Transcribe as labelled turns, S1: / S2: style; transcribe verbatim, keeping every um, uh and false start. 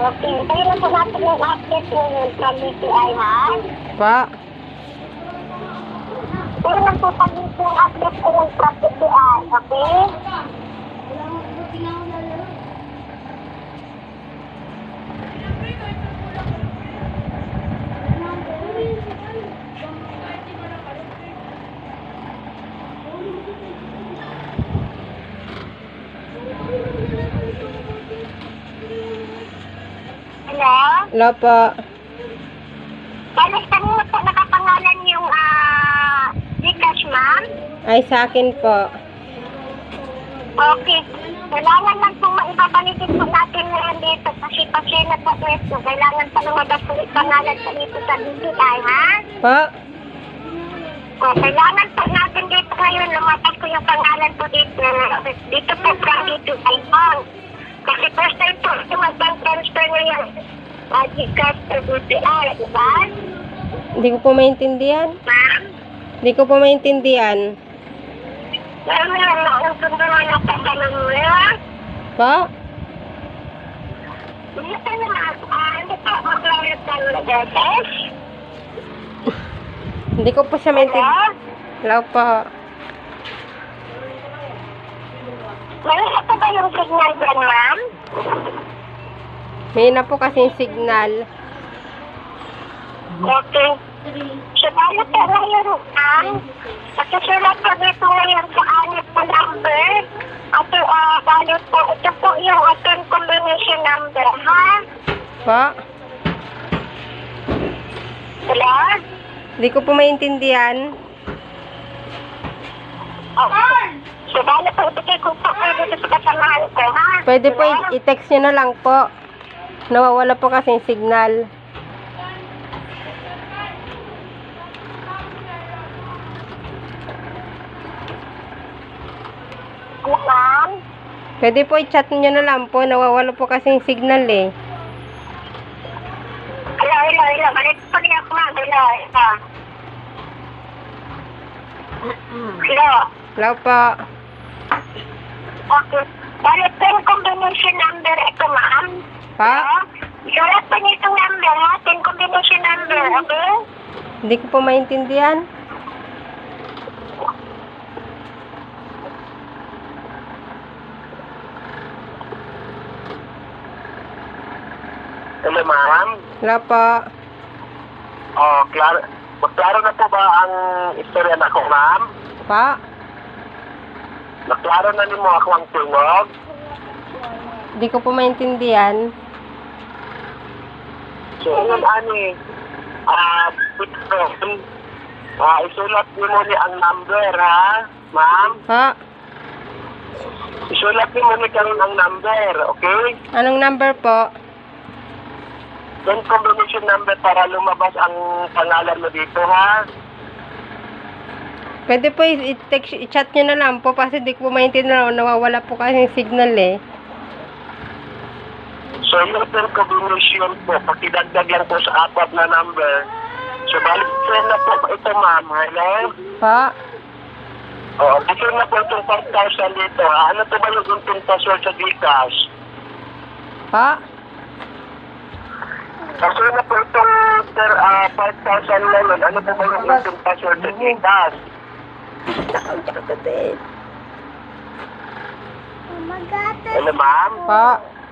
S1: Okay, tayo na po natin yung update ngayon sa B P I, ha?
S2: Pa.
S1: Tayo na po pag yung update ngayon sa B P I, okay? Hello?
S2: Hello po.
S1: Balis kanina po nakapangalan yung ah Gcash, ma'am?
S2: Ay, sa akin po.
S1: Okay. Kailangan lang po maibabalikin po natin ngayon dito kasi pasena po ito. Kailangan pa lumabas po yung pangalan po dito sa B P I, ha?
S2: Pa.
S1: O, kailangan po natin dito ngayon lumabas ko yung pangalan po dito. Dito po from B P I po. Kasi first time po ito mag-bank transfer ngayon. Uh, Gcash to B P I, di ba?
S2: Hindi ko po maintindihan.
S1: Ma'am?
S2: Hindi ko po maintindihan.
S1: Meron na lang nausundo nga ng pagkalang mo, ha?
S2: Pa.
S1: Hindi pa naman, ah, hindi pa mag-lawit ng Gcash?
S2: Hindi ko po siya maintindihan. Hello po.
S1: Meron pa ba yung signal dyan, ma'am?
S2: May na po kasing signal.
S1: Okay. So, paano po ngayon, ma'am? Nakisulat po dito ngayon sa anit po number. At uh, paano po, ito po yung ating combination number, ha?
S2: Pa.
S1: Hello?
S2: Hindi ko po maintindihan.
S1: Okay. So, paano po, ibigay ko po kayo dito sa kasamahan ko, ha?
S2: Pwede po
S1: Hello?
S2: i- i-text nyo na lang po. Nawawala po kasing signal.
S1: Ano, ma'am?
S2: Pwede po i-chat nyo na lang po. Nawawala po kasing signal eh.
S1: Hello, hello, hello. Balik po niya ako, ma'am. Hello, hello. Hello.
S2: Hello po.
S1: Okay. Balik po yung combination number ito, ma'am.
S2: Pa.
S1: Hello? Sulat po niyo itong number, ha? Ten combination number, okay?
S2: Hindi ko po maintindihan.
S3: Hello, ma'am.
S2: Hello po.
S3: Oh, klaro, klaro na po ba ang istorya na ko, ma'am?
S2: Pa.
S3: Naklaro na ni mo ako ang tungog.
S2: Hindi ko po maintindihan.
S3: So, yun, ani, ah, ito, ah, isulat niyo mo ni ang number, ha, ma'am?
S2: Pa.
S3: Isulat niyo mo ni karon ang number, okay?
S2: Anong number po?
S3: Then, combination number para lumabas ang pangalan mo dito, ha?
S2: Pwede po i- i-text, i-chat nyo na lang po kasi di ko po maintindihan. Nawawala po kasing signal eh.
S3: So, yung third combination po, pakidagdag lang po sa apat na number. So, balik na po ito, ma'am, hello?
S2: Pa.
S3: Oo, kasi na po itong five thousand dito, ha? Ano po ba yung unting password sa Gcash?
S2: Pa.
S3: Kasi na po itong uh, five thousand naman, ano po ba yung unting password sa Gcash?
S1: Oh my God.
S3: Hello, ma'am?
S2: Pa.